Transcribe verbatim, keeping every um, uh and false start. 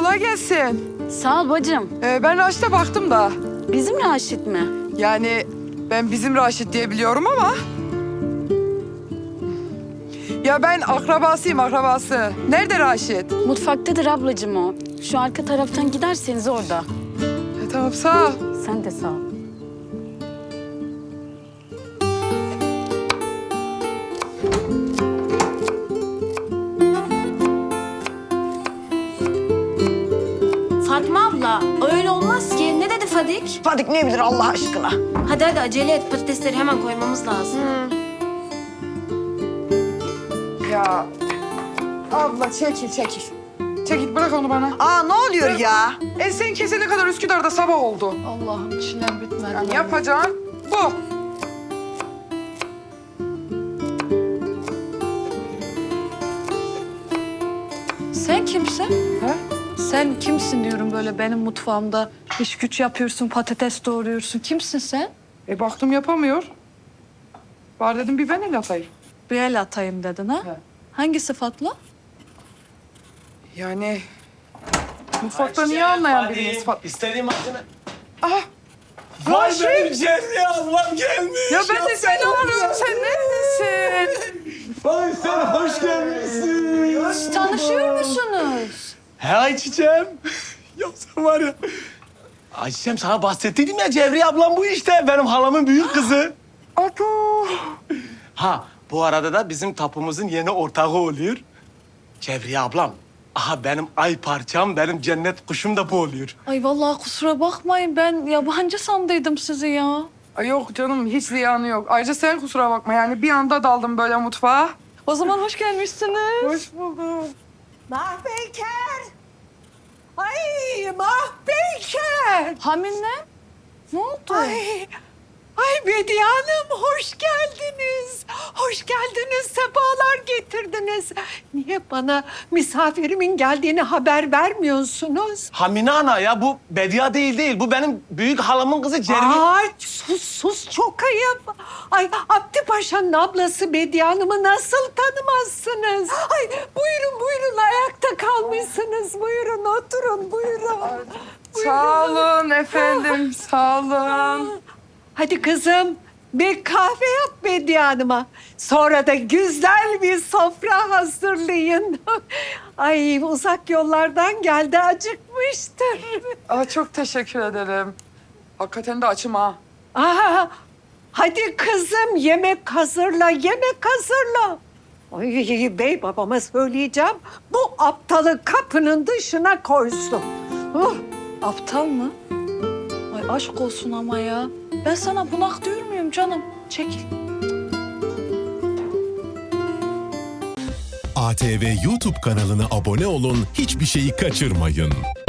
kolay gelsin. Sağ ol bacım. Ee, ben Raşit'e baktım da. Bizim Raşit mi? Yani ben bizim Raşit diye biliyorum ama... Ya ben akrabasıyım, akrabası. Nerede Raşit? Mutfaktadır ablacığım o. Şu arka taraftan giderseniz orada. E, tamam, sağ ol. Sen de sağ ol. Fatma abla, öyle olmaz ki. Ne dedi Fadik? Fadik ne bilir Allah aşkına? Hadi hadi acele et. Patatesleri hemen koymamız lazım. Ya abla çekil, çekil. Çekil, bırak onu bana. Aa ne oluyor ya? E sen kesene kadar Üsküdar'da sabah oldu. Allah'ım çilem bitmedi. Yani yapacağın bu. Sen kimsin? He? Sen kimsin diyorum böyle benim mutfağımda iş güç yapıyorsun, patates doğruyorsun. Kimsin sen? E baktım yapamıyor. Var dedim bir ben el atayım. Bir el atayım dedin ha? He. Hangi sıfatla? Yani mutfakta niye anlayan biriniz falan. İstediğim malzeme. Aha, Vay Raşit! benim Cemre ablam gelmiş. Ya ben de seni arıyorum. Sen neredesin? Vay sen hoş gelmişsin. Tanışıyor musunuz? He Ayçiçeğim. Ya sen var ya. Ayçiçeğim sana bahsettiydim ya Cevriye ablam bu işte. Benim halamın büyük kızı. Ado. Ha bu arada da bizim tapumuzun yeni ortağı oluyor. Cevriye ablam. Aha benim ay parçam, benim cennet kuşum da bu oluyor. Ay vallahi kusura bakmayın ben yabancı sandıydım sizi ya. Ay yok canım, hiç ziyanı yok. Ayrıca sen kusura bakma, yani bir anda daldım böyle mutfağa. O zaman hoş gelmişsiniz. Hoş buldum. Mahpeyker! Ay Mahpeyker! Hamine ne oldu? Ay, ay Bediye Hanım hoş geldiniz. Hoş geldiniz, sefalar getirdiniz. Niye bana misafirimin geldiğini haber vermiyorsunuz? Hamine ana ya bu Bedia değil değil. Bu benim büyük halamın kızı Cevriye. Ay sus sus çok ayıp. Ay Abdi Paşa'nın ablası Bediye Hanım'ı nasıl tanımazsınız? Ay buyurun buyurun ayakta kalmışsınız. Buyurun oturun buyurun. Sağ olun efendim, sağ olun. Hadi kızım bir kahve yap Bediye Hanım'a. Sonra da güzel bir sofra hazırlayın. Ay uzak yollardan geldi acıkmıştır. Aa, çok teşekkür ederim. Hakikaten de açım ha. Aa, hadi kızım yemek hazırla, yemek hazırla. Ay bey babama söyleyeceğim. Bu aptalı kapının dışına koysun. Oh. Aptal mı? Ay aşk olsun ama ya. Ben sana bunak diyor muyum canım? Çekil. A T V YouTube kanalına abone olun, hiçbir şeyi kaçırmayın.